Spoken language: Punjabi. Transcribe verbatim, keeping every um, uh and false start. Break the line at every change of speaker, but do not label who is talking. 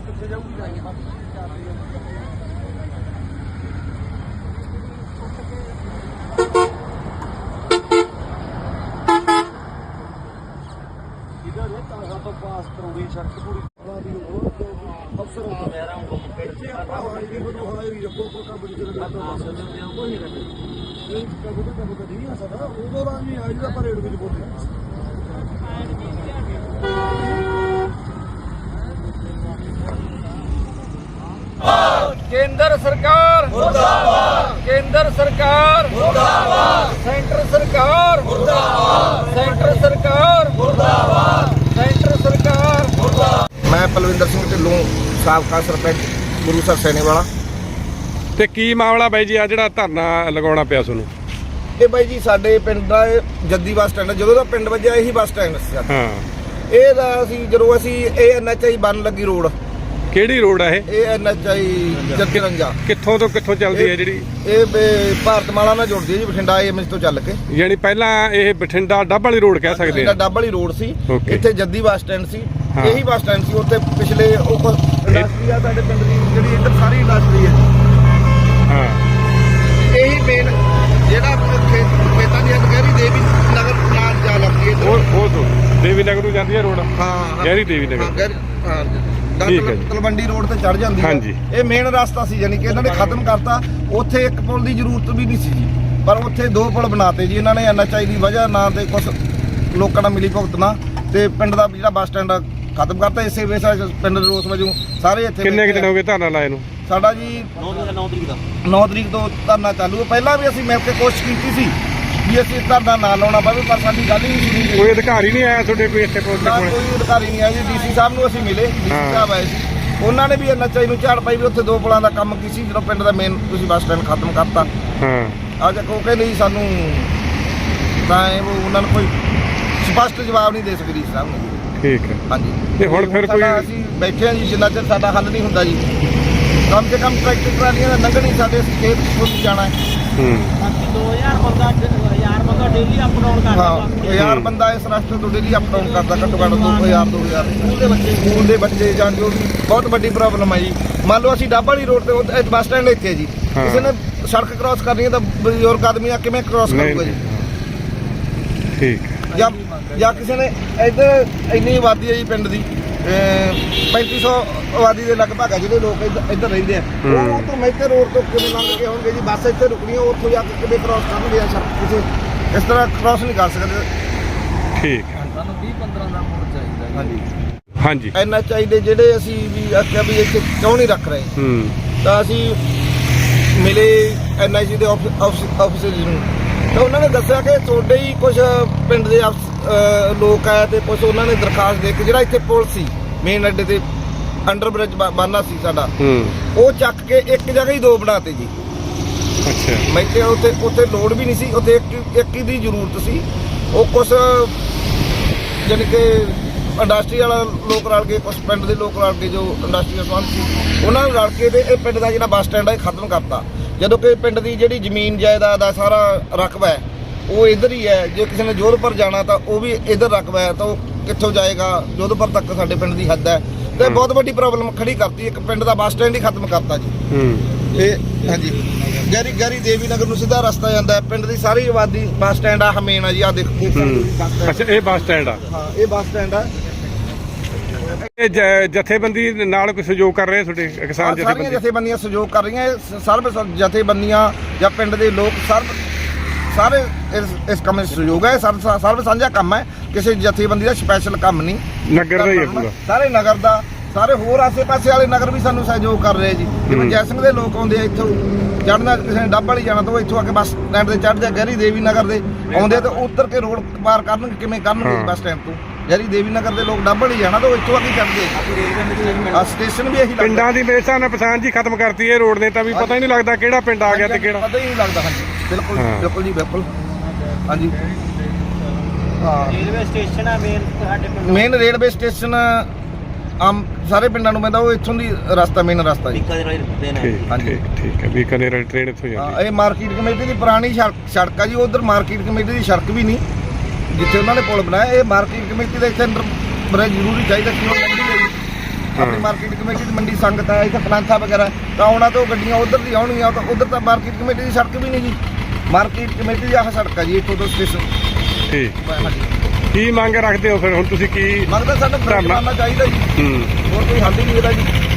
पास करोगी सड़क पूरी अफसर मेरा
केंद्र सरकार मुर्दाबाद, केंद्र सरकार मुर्दाबाद, सेंटर सरकार मुर्दाबाद, सेंटर सरकार मुर्दाबाद, सेंटर सरकार मुर्दाबाद।
मैं पलविंदर सिंह ढिल्लों साबका सरपंच गुरुसर सैनीवाला।
ਤੇ ਕੀ ਮਾਮਲਾ ਬਾਈ ਜੀ ਆ ਜਿਹੜਾ ਧਰਨਾ ਲਗਾਉਣਾ ਪਿਆ ਤੁਹਾਨੂੰ?
ਇਹ ਬਾਈ ਜੀ ਸਾਡੇ ਪਿੰਡ ਦਾ ਜੱਦੀ ਬੱਸ ਸਟੈਂਡ, ਜਦੋਂ ਦਾ ਪਿੰਡ ਵੱਜਿਆ ਇਹੀ ਬੱਸ ਸਟੈਂਡ ਸੀ।
ਹਾਂ,
ਇਹ ਦਾ ਅਸੀਂ ਜਦੋਂ ਅਸੀਂ ਇਹ ਐਨ ਐਚ ਆਈ ਬਣ ਲੱਗੀ ਰੋਡ,
ਕਿਹੜੀ ਰੋਡ ਆ ਇਹ?
ਇਹ ਐਨ ਐਚ ਆਈ ਜੱਦੀ ਰੰਜਾ
ਕਿੱਥੋਂ ਤੋਂ ਕਿੱਥੋਂ ਚੱਲਦੀ ਹੈ ਜਿਹੜੀ?
ਇਹ ਬ- ਭਾਰਤ ਮਾਲਾ ਨਾਲ ਜੁੜਦੀ ਹੈ ਜੀ, ਬਠਿੰਡਾ ਏਮਜ ਤੋਂ ਚੱਲ ਕੇ।
ਯਾਨੀ ਪਹਿਲਾਂ ਇਹ ਬਠਿੰਡਾ ਡੱਬ ਵਾਲੀ ਰੋਡ ਕਹਿ ਸਕਦੇ
ਇਹਦਾ
ਆ।
ਡੱਬ ਵਾਲੀ ਰੋਡ ਸੀ,
Okay।
ਇੱਥੇ ਜੱਦੀ ਬੱਸ ਸਟੈਂਡ ਸੀ,
ਹਾਂ।
ਇਹੀ ਬੱਸ ਸਟੈਂਡ ਸੀ। ਉੱਥੇ ਪਿਛਲੇ ਉਹ ਇੰਡਸਟਰੀ ਆ ਸਾਡੇ ਪਿੰਡ ਦੀ, ਜਿਹੜੀ ਇੱਧਰ ਸਾਰੀ ਇੰਡਸਟਰੀ ਹੈ।
ਹਾਂ,
ਇਹੀ ਮੇਨ ਜਿਹੜਾ ਖੇਤ ਖੇਤਾਂ ਦੀ ਅਧਿਕਾਰੀ ਦੇਵੀ ਨਗਰ ਨਾਲ ਜਾ ਲੱਗਦੀ ਹੈ।
ਉਹ ਉਹ ਤੋਂ ਦੇਵੀ ਨਗਰ ਨੂੰ ਜਾਂਦੀ ਹੈ ਰੋਡ।
ਹਾਂ,
ਗਹਿਰੀ ਦੇਵੀ ਨਗਰ।
ਹਾਂ, ਗਹਿਰੀ, ਹਾਂ।
ਠੀਕ ਹੈ ਜੀ।
ਤਲਵੰਡੀ ਰੋਡ ਤੇ ਚੜ ਜਾਂਦੀ ਹੈ।
ਹਾਂਜੀ।
ਇਹ ਮੇਨ ਰਸਤਾ ਸੀ, ਯਾਨੀ ਕਿ ਇਹਨਾਂ ਨੇ ਖਤਮ ਕਰਤਾ। ਉੱਥੇ ਇੱਕ ਪੁਲ ਦੀ ਜ਼ਰੂਰਤ ਵੀ ਨਹੀਂ ਸੀ ਜੀ, ਪਰ ਉੱਥੇ ਦੋ ਪੁਲ ਬਣਾਤੇ ਜੀ ਇਹਨਾਂ ਨੇ ਐਨ ਐਚ ਆਈ ਦੀ ਵਜ੍ਹਾ ਨਾਲ ਤੇ ਕੁਝ ਲੋਕਾਂ ਨਾਲ ਮਿਲੀ ਭੁਗਤ ਨਾਲ, ਤੇ ਪਿੰਡ ਦਾ ਜਿਹੜਾ ਬੱਸ ਸਟੈਂਡ ਖਤਮ ਕਰਤਾ। ਇਸੇ ਵੇਸ ਪਿੰਡ ਦੇ ਰੋਸ ਵਜੋਂ ਸਾਰੇ ਇੱਥੇ
ਕਿੰਨੇ ਕੁ ਦਿਨ ਹੋ ਗਏ ਧਰਨਾ ਲਾਏ ਨੂੰ?
ਸਾਡਾ ਜੀ
नौ तरीक का
ਨੌ ਤਰੀਕ ਤੋਂ ਧਰਨਾ ਚਾਲੂ ਹੈ। ਪਹਿਲਾਂ ਵੀ ਅਸੀਂ ਮਿਲ ਕੇ ਕੋਸ਼ਿਸ਼ ਕੀਤੀ ਸੀ ਵੀ ਅਸੀਂ ਧਰਨਾ ਨਾ ਲਾਉਣਾ ਪਵੇ, ਪਰ ਸਾਡੀ ਗੱਲ ਹੀ ਨਹੀਂ ਸੁਣੀ ਗਈ।
ਕੋਈ ਅਧਿਕਾਰੀ ਨਹੀਂ ਆਇਆ ਤੁਹਾਡੇ ਕੋਈ ਇੱਥੇ ਪਹੁੰਚਣ
ਨਾ
ਕੋਲ?
ਕੋਈ ਅਧਿਕਾਰੀ ਨਹੀਂ ਆਇਆ ਜੀ। ਡੀਸੀ ਸਾਹਿਬ ਨੂੰ ਅਸੀਂ ਮਿਲੇ, ਡੀਸੀ
ਹਾਂ।
ਸਾਹਿਬ ਆਏ ਸੀ, ਉਹਨਾਂ ਨੇ ਵੀ ਐਨ ਐਚ ਆਈ ਨੂੰ ਝਾੜ ਪਾਈ ਵੀ ਉੱਥੇ ਦੋ ਪੁਲਾਂ ਦਾ ਕੰਮ ਕੀ ਸੀ, ਜਦੋਂ ਪਿੰਡ ਦਾ ਮੇਨ ਤੁਸੀਂ ਬੱਸ ਸਟੈਂਡ ਖਤਮ ਕਰਤਾ।
ਹਾਂ,
ਅੱਜ ਉਹ ਕਹਿੰਦੇ ਜੀ ਸਾਨੂੰ ਤਾਂ ਇਹ ਉਹ ਉਹਨਾਂ ਨੂੰ ਕੋਈ ਸਪਸ਼ਟ ਜਵਾਬ ਨਹੀਂ ਦੇ ਸਕਦੀ ਡੀਸੀ ਸਾਹਿਬ ਨੂੰ।
ਠੀਕ ਹੈ।
ਹਾਂਜੀ,
ਤੇ ਹੁਣ ਫਿਰ
ਸਾਡਾ
ਕੋਈ-
ਅਸੀਂ ਬੈਠੇ ਹਾਂ ਜੀ, ਜਿੰਨਾ ਚਿਰ ਸਾਡਾ ਹੱਲ ਨਹੀਂ ਹੁੰਦਾ ਜੀ, ਕਮ ਸੇ ਕਮ ਟਰੈਕਟਰ ਟਰਾਲੀਆਂ ਦਾ ਲੰਘਣੀ ਸਾਡੇ ਖੇਤ ਪੁੱਜ ਜਾਣਾ ਹੈ।
ਹੂੰ,
दो हजार बंदा हजार बंदा डेली अप डाउन करता
ਹਾਂ, ਹਜ਼ਾਰ ਬੰਦਾ ਇਸ ਰਸਤੇ ਤੋਂ ਡੇਲੀ ਅਪ ਡਾਊਨ ਕਰਦਾ, ਘੱਟੋ ਘੱਟ ਦੋ ਹਜ਼ਾਰ ਦੋ ਹਜ਼ਾਰ ਸਕੂਲ ਦੇ ਬੱਚੇ ਸਕੂਲ ਦੇ ਬੱਚੇ ਜਾਂ ਜੋ ਵੀ ਬਹੁਤ ਵੱਡੀ ਪ੍ਰੋਬਲਮ ਹੈ ਜੀ। ਮੰਨ ਲਓ ਅਸੀਂ ਡੱਬ ਵਾਲੀ ਰੋਡ ਤੇ ਉਹ- ਇਹ ਬੱਸ ਸਟੈਂਡ ਇੱਥੇ ਹੈ ਜੀ,
ਹਾਂ।
ਕਿਸੇ ਨੇ ਸੜਕ ਕ੍ਰਾਸ ਕਰਨੀ ਹੈ ਤਾਂ ਬਜ਼ੁਰਗ ਆਦਮੀ ਆ ਕਿਵੇਂ ਕ੍ਰਾਸ
ਨਹੀਂ
ਕਰੂਗਾ ਜੀ?
ਠੀਕ ਹੈ।
ਜਾਂ ਜਾਂ ਕਿਸੇ ਨੇ ਇੱਧਰ ਇੰਨੀ ਆਬਾਦੀ ਹੈ ਜੀ ਪਿੰਡ ਦੀ, ਪੈਂਤੀ ਸੌ ਆਬਾਦੀ ਦੇ ਲਗਭਗ ਹੈ ਜਿਹੜੇ ਲੋਕ ਇੱਧਰ ਇੱਧਰ ਰਹਿੰਦੇ ਆ।
ਹੂੰ।
ਉਹ ਤੋਂ ਮੈਥੇ ਰੋਡ ਤੋਂ ਕਿਵੇਂ ਲੰਘ ਕੇ ਹੋਣਗੇ ਜੀ? ਬੱਸ ਇੱਥੇ ਰੁਕਣੀ ਹੈ, ਉੱਥੋਂ ਜਾ ਕੇ ਕਿਵੇਂ ਕ੍ਰਾਸ ਕਰਨਗੇ? ਆ ਸੜਕ ਕਿਸੇ ਇਸ ਤਰ੍ਹਾਂ ਕ੍ਰਾਸ ਨਹੀਂ ਕਰ ਸਕਦੇ।
ਠੀਕ ਹੈ।
ਸਾਨੂੰ बीस पंद्रह ਦਾ ਮੋੜ ਚਾਹੀਦਾ।
ਹਾਂਜੀ,
ਹਾਂਜੀ।
ਐਨ ਐਚ ਆਈ ਦੇ ਜਿਹੜੇ ਅਸੀਂ ਵੀ ਆਖਿਆ ਵੀ ਇੱਥੇ ਕਿਉਂ ਨਹੀਂ ਰੱਖ ਰਹੇ,
ਹੂੰ,
ਤਾਂ ਅਸੀਂ ਮਿਲੇ ਐਨ ਆਈ ਸੀ ਦੇ ਆਫਿਸਰ ਨੂੰ, ਤਾਂ ਉਹਨਾਂ ਨੇ ਦੱਸਿਆ ਕਿ ਤੁਹਾਡੇ ਹੀ ਕੁਝ ਪਿੰਡ ਦੇ ਅਫਸ- ਅਹ ਲੋਕ ਆਏ ਤੇ ਕੁਝ ਉਹਨਾਂ ਨੇ ਦਰਖਾਸਤ ਦੇ ਕੇ ਜਿਹੜਾ ਇੱਥੇ ਪੁਲ ਸੀ ਮੇਨ ਅੱਡੇ ਤੇ ਅੰਡਰ ਬ੍ਰਿਜ ਬਣਨਾ ਸੀ ਸਾਡਾ,
ਹੂੰ,
ਉਹ ਚੱਕ ਕੇ ਇੱਕ ਜਗ੍ਹਾ ਹੀ ਦੋ ਬਣਾਤੇ ਜੀ।
ਅੱਛਾ।
ਮੈਂ ਤੇ ਉੱਥੇ ਉੱਥੇ ਲੋੜ ਵੀ ਨਹੀਂ ਸੀ, ਉੱਥੇ ਇੱਕ ਇੱਕ ਹੀ ਦੀ ਜ਼ਰੂਰਤ ਸੀ। ਉਹ ਕੁਛ ਜਾਣੀ ਕਿ ਇੰਡਸਟਰੀ ਵਾਲਾ ਲੋਕ ਰਲ ਕੇ, ਕੁਛ ਪਿੰਡ ਦੇ ਲੋਕ ਰਲ ਕੇ, ਜੋ ਇੰਡਸਟਰੀ ਦਾ ਸੰਬੰਧ ਸੀ ਉਹਨਾਂ ਨੂੰ ਰਲ ਕੇ ਤੇ ਇਹ ਪਿੰਡ ਦਾ ਜਿਹੜਾ ਬੱਸ ਸਟੈਂਡ ਹੈ ਖਤਮ ਕਰਤਾ। ਜਦੋਂ ਕਿ ਪਿੰਡ ਦੀ ਜਿਹੜੀ ਜ਼ਮੀਨ ਜਾਇਦਾਦ ਦਾ ਸਾਰਾ ਰਕਬਾ ਹੈ ਉਹ ਇੱਧਰ ਹੀ ਹੈ। ਜੇ ਕਿਸੇ ਨੇ ਜੋਧਪੁਰ ਜਾਣਾ ਤਾਂ ਉਹ ਵੀ ਇੱਧਰ ਰਕਬਾ ਹੈ, ਤਾਂ ਉਹ ਕਿੱਥੋਂ ਜਾਏਗਾ? ਜੋਧਪੁਰ ਤੱਕ ਸਾਡੇ ਪਿੰਡ ਦੀ ਹੱਦ ਹੈ, ਤੇ ਬਹੁਤ ਵੱਡੀ ਪ੍ਰੋਬਲਮ ਖੜੀ ਕਰਤੀ। ਇੱਕ ਪਿੰਡ ਦਾ ਬੱਸ ਸਟੈਂਡ ਹੀ ਖਤਮ ਕਰਤਾ ਜੀ।
ਹੂੰ,
ਇਹ ਹਾਂਜੀ, ਗੈਰੀ ਗੈਰੀ ਦੇਵੀ ਨਗਰ ਨੂੰ ਸਿੱਧਾ ਰਸਤਾ ਜਾਂਦਾ ਹੈ। ਪਿੰਡ ਦੀ ਸਾਰੀ ਆਬਾਦੀ ਬੱਸ ਸਟੈਂਡ ਆ ਹਮੇਨ ਆ ਜੀ। ਆ ਦੇਖੋ
ਹੂੰ। ਅੱਛਾ, ਇਹ ਬੱਸ ਸਟੈਂਡ ਆ।
ਹਾਂ, ਇਹ ਬੱਸ ਸਟੈਂਡ ਆ।
ਇਹ ਜ- ਜਥੇਬੰਦੀ ਨਾਲ ਕੋਈ ਸਹਿਯੋਗ ਕਰ ਰਹੇ ਤੁਹਾਡੇ ਕਿਸਾਨ
ਆਹ ਸਾਰੀਆਂ
ਜਥੇਬੰਦੀ?
ਜਥੇਬੰਦੀਆਂ ਸਹਿਯੋਗ ਕਰ ਰਹੀਆਂ। ਇਹ ਸਰਬ ਸ- ਜਥੇਬੰਦੀਆਂ ਜਾਂ ਪਿੰਡ ਦੇ ਲੋਕ ਸਰਬ ਸਾਰੇ ਇਸ ਇਸ ਕੰਮ ਵਿੱਚ ਸਹਿਯੋਗ ਹੈ। ਸਰਬ ਸਰਬ ਸਾਂਝਾ ਕੰਮ ਹੈ, ਕਿਸੇ ਜਥੇਬੰਦੀ ਦਾ ਸਪੈਸ਼ਲ ਕੰਮ ਨਹੀਂ।
ਨਗਰ ਦਾ ਹੀ ਹੈ ਪੂਰਾ।
ਸਾਰੇ ਨਗਰ ਦਾ, ਸਾਰੇ ਹੋਰ ਆਸੇ-ਪਾਸੇ ਵਾਲੇ ਨਗਰ ਵੀ ਸਾਨੂੰ ਸਹਿਯੋਗ ਕਰ ਰਹੇ ਜੀ। ਜਿਵੇਂ ਜੈ ਸਿੰਘ ਦੇ ਲੋਕ ਆਉਂਦੇ ਆ ਇੱਥੋਂ ਚੜ੍ਹਨਾ, ਕਿਸੇ ਨੇ ਡੱਬ ਵਾਲੀ ਜਾਣਾ ਤਾਂ ਉਹ ਇੱਥੋਂ ਆ ਕੇ ਬੱਸ ਸਟੈਂਡ ਤੇ ਚੜ੍ਹ ਜਾ। ਗਹਿਰੀ ਦੇਵੀ ਨਗਰ ਦੇ ਆਉਂਦੇ ਤਾਂ ਉੱਤਰ ਕੇ ਰੋਡ ਪਾਰ ਕਰਨਗੇ, ਕਿਵੇਂ ਕਰਨਗੇ
ਹਾਂ।
ਬੱਸ ਸਟੈਂਡ ਤੋਂ? ਗਹਿਰੀ ਦੇਵੀ ਨਗਰ ਦੇ ਲੋਕ ਡੱਬ ਵਾਲੀ ਜਾਣਾ ਤਾਂ ਉਹ ਇੱਥੋਂ ਆ ਕੇ ਚੜ੍ਹਦੇ ਆ। ਸਟੇਸ਼ਨ ਵੀ ਇਹੀ ਲੱਗਦਾ।
ਪਿੰਡਾਂ ਦੀ ਮੇਰੇ ਹਿਸਾਬ ਨਾਲ ਪਛਾਣ ਜੀ ਖਤਮ ਕਰਤੀ ਇਹ ਰੋਡ ਨੇ, ਤਾਂ ਵੀ ਪਤਾ ਹੀ ਨਹੀਂ ਲੱਗਦਾ ਕਿਹੜਾ ਪਿੰਡ ਆ ਗਿਆ ਤੇ ਕਿਹੜਾ।
ਪਤਾ ਹੀ ਨਹੀਂ ਲੱਗਦਾ। ਹਾਂਜੀ, ਬਿਲਕੁਲ
ਹਾਂ।
ਬਿਲਕੁਲ ਜੀ, ਬਿਲਕੁਲ। ਹਾਂਜੀ, ਹਾਂ।
ਰੇਲਵੇ ਸਟੇਸ਼ਨ ਆ ਮੇਨ ਸਾਡੇ ਪਿੰਡ
ਮੇਨ ਰੇਲਵੇ ਸਟੇਸ਼ਨ ਆਮ ਸਾਰੇ ਪਿੰਡਾਂ ਨੂੰ ਪੈਂਦਾ, ਉਹ ਇੱਥੋਂ ਦੀ ਰਸਤਾ ਮੇਨ ਰਸਤਾ ਜੀ।
ਬਿੱਕਾ ਦੇ ਨਾਲ ਦੇਣਾ
ਠੀਕ
ਹਾਂਜੀ।
ਠੀਕ ਠੀਕ ਹੈ। ਬੀਕਾਨੇਰ ਵਾਲੀ ਟ੍ਰੇਨ ਇੱਥੋਂ ਜਾਂਦੀ
ਹਾਂ, ਇਹ ਮਾਰਕੀਟ ਕਮੇਟੀ ਦੀ ਪੁਰਾਣੀ ਸੜਕ ਸੜਕ ਆ ਜੀ। ਉਧਰ ਮਾਰਕੀਟ ਕਮੇਟੀ ਦੀ ਸੜਕ ਵੀ ਨਹੀਂ, ਜਿੱਥੇ ਉਹਨਾਂ ਨੇ ਪੁਲ ਬਣਾਇਆ। ਇਹ ਮਾਰਕੀਟ ਕਮੇਟੀ ਦਾ ਇੱਥੇ ਅੰਡਰ ਬ੍ਰਿਜ ਜ਼ਰੂਰੀ ਚਾਹੀਦਾ ਕਿ ਉਹ ਲੰਘੀ ਹੈ ਜੀ। ਆਪਣੀ ਮਾਰਕੀਟ ਕਮੇਟੀ ਦੀ ਮੰਡੀ ਸੰਗਤ ਹੈ ਇੱਥੇ ਪਲਾਂਥਾ ਵਗੈਰਾ ਤਾਂ ਉਹਨਾਂ ਤੋਂ ਗੱਡੀਆਂ ਉਧਰ ਦੀ ਆਉਣਗੀਆਂ ਤਾਂ ਉਧਰ ਤਾਂ ਮਾਰਕੀਟ ਕਮੇਟੀ ਦੀ ਸੜਕ ਵੀ ਨਹੀਂ ਜੀ ਮਾਰਕੀਟ ਕਮੇਟੀ ਦੀ ਆਹ ਸੜਕ ਹੈ ਜੀ ਇੱਥੋਂ ਤੋਂ ਸਟੇਸ਼ਨ
ਠੀਕ ਕੀ ਮੰਗ ਰੱਖਦੇ ਹੋ ਫਿਰ ਹੁਣ ਤੁਸੀਂ ਕੀ
ਮੰਗਦਾ ਸਾਨੂੰ
ਧਰਨਾ-
ਬਣਨਾ ਚਾਹੀਦਾ ਜੀ
ਹੂੰ
ਹੋਰ ਕੋਈ ਹੱਲ ਹੀ ਨਹੀਂ ਇਹਦਾ ਜੀ